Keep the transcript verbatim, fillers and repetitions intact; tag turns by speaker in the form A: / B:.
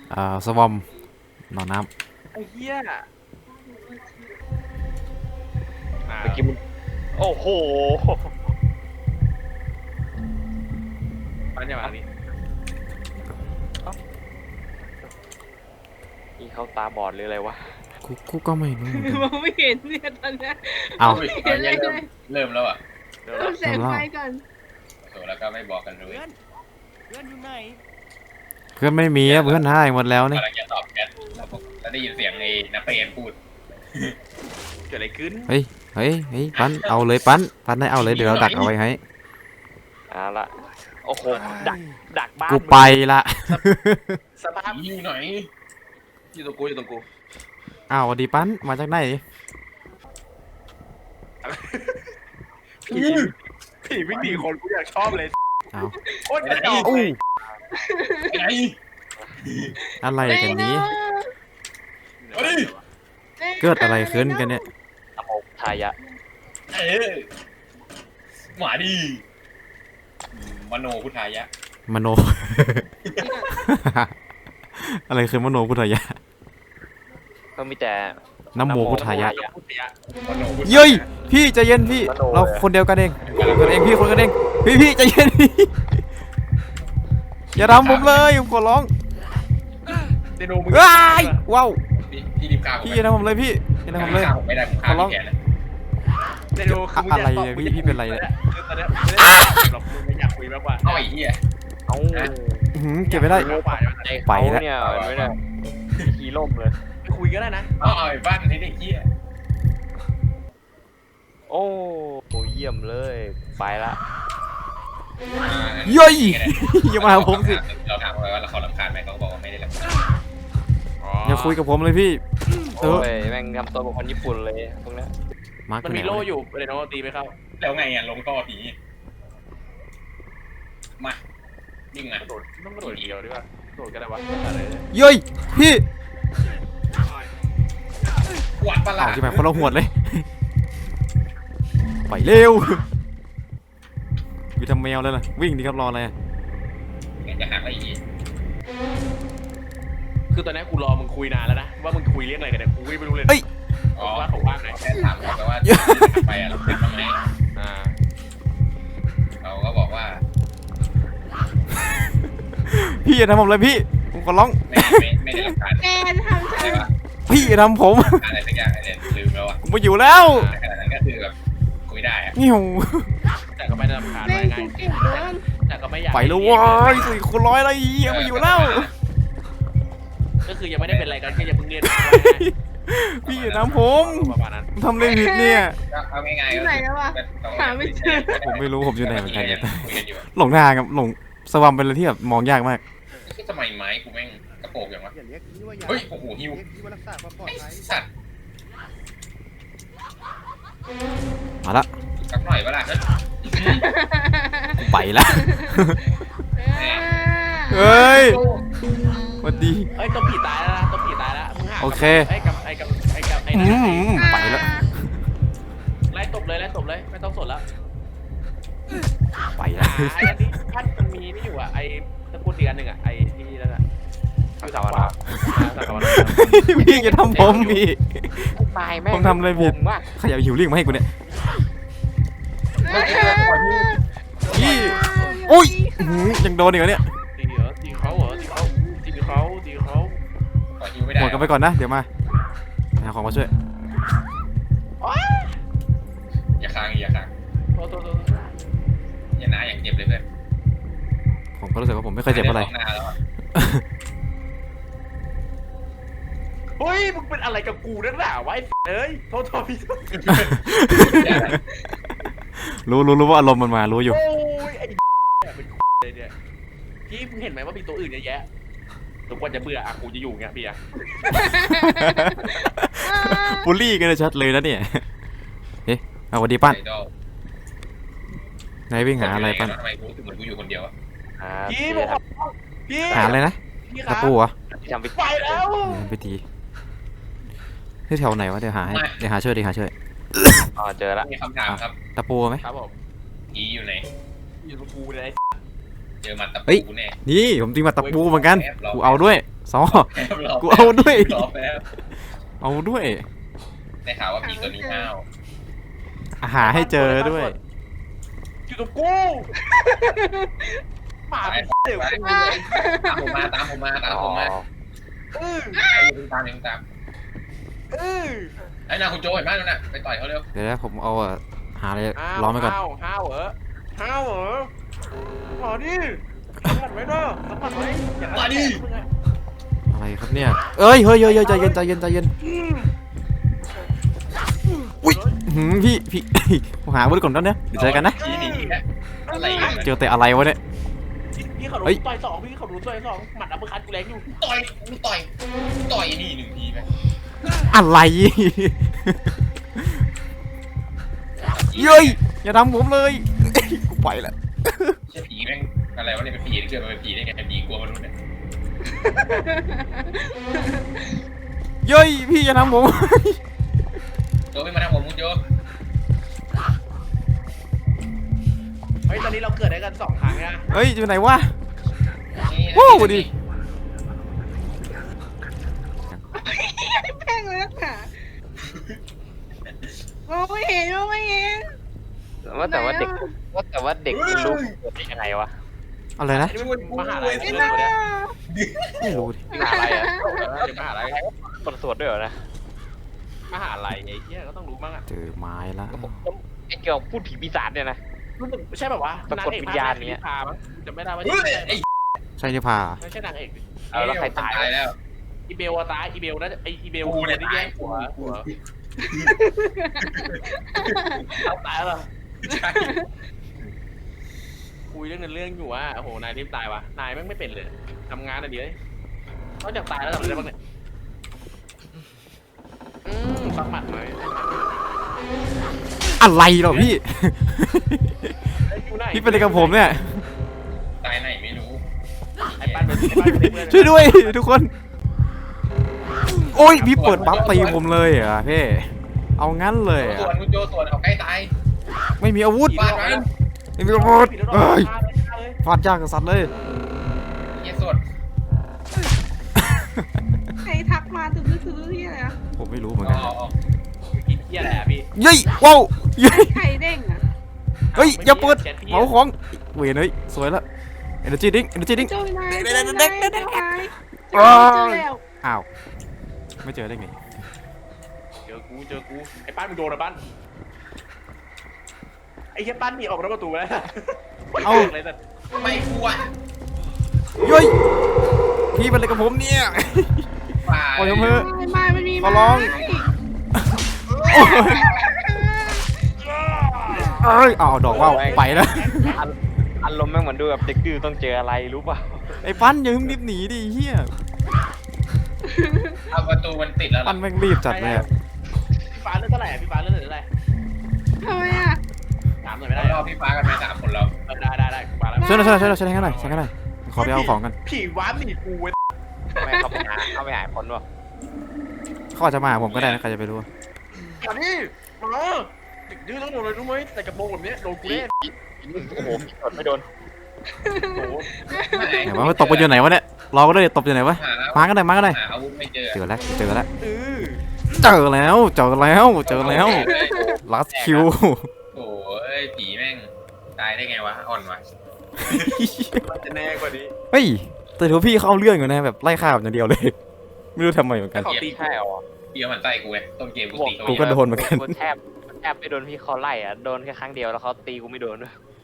A: อ่าสวอมหนอนน้
B: ไอ้เหี้ย
C: เมื่อกี้มันโอ้โห
B: ปันอย่ามานี้
C: นี่เขาตาบอดหรืออะไรวะ
A: ำกูกูก็ไม่รู้เหมือนกัน
D: มองไม่เห็นเนี่ยตอนเนี้ย
A: เอา
D: ไม่เห็นอะไรเลย
E: เริ่มแล้วอ่ะ
B: เดี๋ยว
D: ต้องแสงไฟก่อน
E: โถแล้วก็ไม่บอกกันเลย
A: เพื่อนไม่มีอะเพื่อนให้หมดแล้วนี่
E: กำลังจะตอบแชทแล้วผมแล้วได้ยินเสียงไอ้นักเรียนพูด
B: เกิดอะไรขึ้น
A: เฮ้ยเฮ้ยเฮ้ยปั้นเอาเลยปั้นปั้นให้เอาเลยเดี๋ยวเราดักเอาไว้ให้
C: เอาละโอ้โหดักดักบ้าน
A: กูไปละ
B: สภาพ
E: ผีอยู่ไหน
B: อยู่ตรงกูอยู่ตรงกู
A: อ้าวสวัสดีปั้นมาจากไหน
B: ผีผีวิ่งหนีคนกูอยากชอบเลย
A: เอา
B: โคตรกระจอก
A: อู้
B: เลย
E: ไง
A: อะไรกันนี้
E: เอาดิ
A: เกิดอะไรขึ้นกันเนี่ย
C: อโมทายะ
E: เออหมาดีมโนพุทธายะ
A: มโน อะไรคือมโนพุทธายะ
C: ก็มีแต่
A: น้ำโมพุทธายะ
B: พุทธยะ
E: มโนพุทธา
A: เย้ยพี่ใจเย็นพี่เราคนเดียวกันเองคนเองพี่คนกันเองพี่พี่ใจเย็นพี่อย่าทำผมเลยผมขอร้อง
B: เดโนมึง
A: ว้ายว้าว
E: พี่พี่รีบฆ่าผม
A: พี่อย่าทำผมเลยพี่อย่าทำผมเลย
E: ฆ่าผมไม่ได้ผมฆ่า
A: ขอร้อง
E: พี่แกนะ
B: เดโนคือมึง
A: อะไรเนี่ยพี่พี่เป็นไรเนี่ย
B: คือตอนเนี้ยไม่ได้หรอกมึงไม่อยากคุยมากกว่า
E: เอาไอ้เหี้ย
C: เอ้า
A: อื้อหือเก็บไม่ได้
B: มากกว่า
C: ใจ
A: ไป
C: เขา
A: แล้ว
C: เนี่ยเห็นไหมเนี่ยขี่ล่มเลย
B: ไปคุยก็ได้นะ
E: เอาเอาไอ้บ้านไอ้เด็กเหี้ย
C: โอ้โหเยี่ยมเลยไปละ
A: เย้ยอย่ามาหาผมสิ
E: เราถามเขาว่าเราเขารำคาญไหมเขาบอกว่าไม่ได้รำคาญ
A: อย่าคุยกับผมเลยพี่เอ
C: โอ้
A: อย
C: แม่งทำตัวเป็นคนญี่ปุ่นเลยพวกเนี้ย
A: มาร์ค
B: มัน
A: ไปไห
B: มี
A: น
B: โล่
A: วะ
B: อยู่เดโนตีไปเข้า
E: แล้วไงอ่ะลงท่อผีมาวิ่งมาก
B: ระโดดต้องกระโดดเดียวดีกว่ากระโดดก็ได้วะอะไรเนี่ย
A: เย้ยพี่
E: หวานปลา
A: อ้าวที่ไหนคนละหวดเลยไปเร็วอยู่ทำแมวเลยล่ะวิ่งดีครับรออะไรอะ
E: งั้นจะหักอะไรอีก
B: คือตอนนี้กูรอมึงคุยนานแล้วนะว่ามึงคุยเรื่องอะไรกันเนี่ยกูไม่รู้เลย
E: อ๋อ
B: ว่าเขาว่างไหน
E: แค่ถามเขาไปว่าไปอ่ะเราทำทำไม
B: อ่า
E: เขาก็บอกว่า
A: พี่อย่าทำผมเลยพี่ผมขอร้อง
E: ไม่ไม่ไม่ได้รำคาญ
D: แกทำฉั
E: อะไร
D: น
E: วะ
A: พี่อย่าทำผม
E: อะไรสักอย่างอะไรลืมแล้วอ่ะ
A: ผมมาอยู่แล้ว
E: แต่ขนาดนั้นก็คือแบบคุยได้อ่ะ
A: งิ้ว
B: แต่ก็ไม่ได้รำคาญ
D: เล่
B: ไว้
D: น
B: ไง
D: กูเก่งเกิน
B: แต่ก็ไม่อยาก
A: ไปแล้วเว้ยสี่คูณร้อยอะไรเหี้ยมาอยู่แล้ว
B: ก็คือยังไม่ได้เป็นอะไรกันแค่ยังเพิ่งเรียน
A: พี่อย่าทำผม
B: ประมาณนั้น
A: ผมทำอะไรผิดเนี่ย
E: ก็เอาง่ายๆ
D: ที่ไหนแล้ววะหาไม่เจอ
A: ผมไม่รู้ผมอยู่ไหนเหมือนกันเนี่ย
E: คุยกันอยู่
A: หลงทางครับหลงสวัมเป็นอะไรที่แบบมองยากมาก
E: ก็ทำไมไม้กูแม่งกระโปงอย่างวะ
F: อย่าเรียกพี่ว่าอย่า
E: เฮ้ยโอ้โหฮิว
F: เรียกพี่ว่ารักษาความปลอด
E: ไอ้
F: ภัย
E: สัตว์
A: มาละ
E: สักหน่อยเวลาเฮ้ย
A: ไปละเฮ้ยสวัสดี
B: เอ้ยตัวผีตายแล้วนะตัวผีตายแล้วมึงหา
A: โอเค
B: ไอ้กับไอ้กับไอ้กับไอ้
A: อื
B: นั่น
A: มไปแล้ว
B: ไล่ตบเลยไล่ตบเลยไม่ต้องสนแล้ว
A: ไปแล้ว
B: ไอ้อันนี้ท่านมันมีนี่อยู่อ่ะไอ้ตะกูลอีกอันหนึ่งอ่ะไอ้ที่นั่นอ่ะอยู่ทางขวาทางขวา
A: พี่อย่าทำผมพี่
C: ตายแม่ง
A: ผมทำอะไรผิด
C: ว่า
A: ขยับหิวลิงมาให้กูเนี่ยพี่อุ้ยอื้อหือยังโดนอีกเหรอเนี่ย
B: ตีเหรอตีเขาเหรอตีเขาตีเขาตีเขา
E: ขอฮิวไม่ได้
A: หมดกันไปก่อนนะเดี๋ยวมาหาของมาช่วย
E: อย่าค้างอย่าค้าง
B: โทษโทษโทษ
E: อย่าหน้าอย่างเจ็บเลยเพื่อน
A: ผมก็รู้สึกว่าผมไม่เคยเจ็บอะไร
E: หน้าแล้วอะ
B: เฮ้ยมึงเป็นอะไรกับกูนักหนาวะไอ้เอ้ยโทษโทษพี่
A: รู้รู้รู้ว่าอารมณ์มันมารู้อยู่
B: โอ้ยไอ้เป็นเลยเนี่ยพี่มึงเห็นไหมว่ามีตัวอื่นเยอะแยะทุกคนจะเบื่ออ่ะกูจะอยู่เงี้ยพี่อ่ะ
A: บูลลี่กันชัดเลยนะเนี่ยเอ๊ะเอาสวัสดีปั้น
E: ไอดอล
A: ไหนวิ่งหาอะไรปั้น
E: ทำไมกูรู้สึกเหมือนกูอยู่คนเดียวอะ
C: อ่า
B: พี่
C: พี่
B: บอกพี่
A: หาอะไรนะ
B: พี่ค
A: ตะ
B: รับ
A: ปูเหรอ
C: ที่ทำไป
B: ไปแล้ว
A: ไปตีที่แถวไหนวะเดี๋ยวหาให้เดี๋ยวหาช่วยเดี๋ยวหาช่วย
C: อ๋อเจอละ
E: มีคำถามครับ
A: ตะปูไหม
B: ครับผม
E: ผีอยู่ไหน
B: อยู่กับกูเลย
E: เจอมันตะ
A: เฮ้ย
E: ปูแน่
A: นี่ผมตีมาตะปูเหมือนกันกูเอาด้วยซอ
E: แป๊บรอ
A: กูเอาด้วย
E: รอแป๊บ
A: เอาด้วย
E: ได้ข่าวว่าผีตัวนี้ห้าว
A: อาหาให้เจอด้วย
B: อยู่กับกูหมาเป็นเดี๋ยวกูเลย
E: ตามผมมาตามผมมาตามผมมา
B: เออ
E: ไอ้ยิงตามยิงตาม
B: เออ
E: ไอ้นาคุณโจเห็นไหมนั่นน่ะไปต่อยเขาเร็ว
A: เดี๋ยวนะผมเอาอะหาอะไร
B: ห้าว
A: ล้อมไว้ก่อน
B: ห้าวห้าวเหรอห้าวเหรอมาดิสัมผัสไว้เนาะสัมผัสไว้อย่า
E: มาดิ
B: มึงอะ
A: อะไรครับเนี่ยเอ้ยเฮ้ยเฮ้ยเฮ้ยใจเย็นใจเย็นใจเย็นอุ้ยหืมพี่พี่ ผมหาอาวุธก่อนแล้วเนี่ยเดี๋ยวเจอกันนะ
E: ผีหนีอีกแล้วอะไรกัน
A: เจอแต่อะไรวะเนี่ย
B: พี่เขาโด
A: เฮ้ย
B: นต่อยสองพี่เขาโดนต่อยสองหมัดอัปเปอร์คัตกูแรงอยู่
E: ต่อยกูต่อยกูต่อยนี่หนึ่งทีไหม
A: อะไรเย้ยอย่าทำผมเลยกูไปละ
E: ใช่ผีแม่งอะไรวะเนี่ยเป็นผีเกิดมาเป็นผีได้ไงเป็นผีกลัวมนุษย์เนี่ย
A: เย้ยพี่อย่าทำผม
E: โจไม่มาทำผมคุณโจ
B: เฮ้ยตอนนี้เราเกิดได้กันสองครั้งนะ
A: เฮ้ยอยู่ไหนวะ
E: นี่
A: โอ้ดิ
D: แป้งเลยค่ะมองไม่เห็นมองไม่เห็น
C: ว่าแต่ว่าเด็กว่าแต่ว่าเด็กมันรู้เกิดได้ยังไงวะ
A: อะไรนะ
B: นี่มันมหาลัย
D: ไม่
B: เรื่อง
D: น่า
B: เนี่ย
A: ไม่รู้ดิ
B: มหาลัยอะเดี๋ยวมหาลัย
C: คนสวดด้วยเหรอนะ
B: มหาลัยไอ้เหี้ยก็ต้องรู้บ้างอะ
A: เจอไม้ละ
C: ไอ้เกี่ยวกับพูดผีปีศาจเนี่ยนะ
B: รู้สึกไม่ใช่แบบว่า
C: ปรากฏวิญญาณเนี้ย
B: พามั้งจะไม่ได้ว่า
E: เฮ้ย
B: ใช่
E: ไอ้
A: ใช่นิพา
B: ไม่ใช่นางเอกดิ
C: เอาแล้วใครตาย
E: ตายแล้ว
B: อีเบลอะตายอีเบลนะไออีเบล
E: กูเนี่ย
B: ที่แย่งหัวหัวเอาตายแล้วเหรอ
E: ใช่
B: คุยเรื่องนั้นเรื่องอยู่ว่าโอ้โหนายรีบตายวะนายแม่งไม่เป็นเลยทำงานอะไรดีเลยนอกจากตายแล้วทำอะไรได้บ้างเนี่ยอืมสักหมัดหน่อย
A: อะไรเหรอพี่
B: ไอ้อยู่ไหน
A: พี่เป็นอะไรกับผมเนี่ย
E: ตายไหนไม่รู้
B: ไอ้ปั้นเป็นไอ้ปั้นเป็นเพื่อน
A: ช่วยด้วยทุกคน โอ้ยพี่เปิดบัฟตีผมเลยเหรอพี่เอางั้นเลยเหร
E: ส่ว
A: อน
E: คุณโจส่วนเอาใกล้ตาย
A: ไม่มีอาวุธ
E: ฟาดมัน
A: ไม่มีอาวุธ
B: ผิดแล้วหรอ
A: เอ้ย
B: ฆ่าเลยฆ่าเลย
A: ฟาดยากกับสัตว์เลย
E: เยี่ยส่วน
D: ใครทักมาตื่นตื่นที่อะไรอ่ะ
A: ผมไม่รู้เหมือน
E: อ๋
A: กัน
E: อ
B: กินเหี้ยอะไรอะพี่
A: เย้ยว้าวเย้ย
D: ใครเด้งอ่ะ
A: เฮ้ยอย่าเปิด
B: แชทพี่
A: เหมาของเวยเฮ้ยสวยละ energy drink energy drink
D: โจ้ยนาย
A: เด็
D: โจ้
A: ก
D: ย
A: เด็
D: นาก ย
A: เด็กเด็
D: โจ้
A: ก
D: ยนาย
A: อ้าว
D: เจอแล้ว
A: อ้าวไม่เจอได้ไง
B: เจอกูเจอกูไอ้ปั้นมึงโดนอะปั้นไอ้เหี้ยปั้นหนีออกนอกประตูแล้ว
A: เอ้า
B: เลยแต่
E: ไม่กลัว
A: เย้ยพี่เป็นอะไรกับผมเนี่ย
E: ฝ่า
A: โอ้ยเพิ่
D: ไม่ไม่มันมี
A: ขอร้อง โอ้ยเอ้ยเอาดอกว่าวไปแล้ว
C: อันอารมณ์แม่งเหมือนดูแบบเด็กดื้อต้องเจออะไรรู้ป่ะ
A: ไอ้ปั้นอย่าเพิ่งรีบหนีดิเฮีย
E: เอาประตูมันติดแล้ว
A: ปั้นแม่งรีบจัดเลยอะ
B: พี่ฟ้าเลือดเท่าไหร่อะพี่ฟ้าเลือดเท่าไหร่
D: ทำไมอ่ะ
B: ถามหน่อยไม่
E: เรา
B: ได้
E: ร
B: หร
E: อ
B: อ
E: พี่ฟ้ากันไปสามคนเรา
B: เออได้ได้ได้กูมาแล้ว
A: ช่วยหน่อยช่วยหน่อยช่วยหน่อยช่วยให้หน่อยช่วยให้หน่อยขอไปเอาของกัน
B: ผีว้าหนีกูเว้ย
C: ไม่เข้าไปหาเข้าไปหาคนวะ
A: เขาอาจจะมาหาผมก็ได้นะใครจะไปรู้
B: มาดิมาเด็กดื้อต้องโดนเลยรู้ไหมแต่กระโปรงแบบนี้โดนกูแน่
C: โอ้โหกดไม่โดน
B: โอ้โห
A: ไหนว่ามันตบกันอยู่ไหนวะเนี่ยรอก็ได้ตบอยู่ไหนวะ
E: หา
A: มากันหน่อยมากันหน่อย
E: หาอาวุธไม่เจอ
A: เจอแล้วเจอแล้ว
B: เออ
A: เจอแล้วเจอแล้วเจอแล้ว last kill
E: โอ้ยผีแม่งตายได้ไงวะอ่อนวะ
B: มันจะแน่กว่านี้
A: เฮ้ยแต่ถือว่าพี่เขาเอาเรื่องอยู่นะแบบไล่ฆ่าแบบอย่างเดียวเลย ไม่รู้ทำไมเหมือนกัน
B: เขาตี
C: ใช่หรอ
E: เดียวมันใส่กูไงต้นเกมกูตี
A: กูก็โดนเหมือนกัน
C: กูแทบแทบไม่โดนพี่เขาไล่อ่ะโดนแค่ครั้งเดียวแล้วเขาตีกูไม่โดนด้วย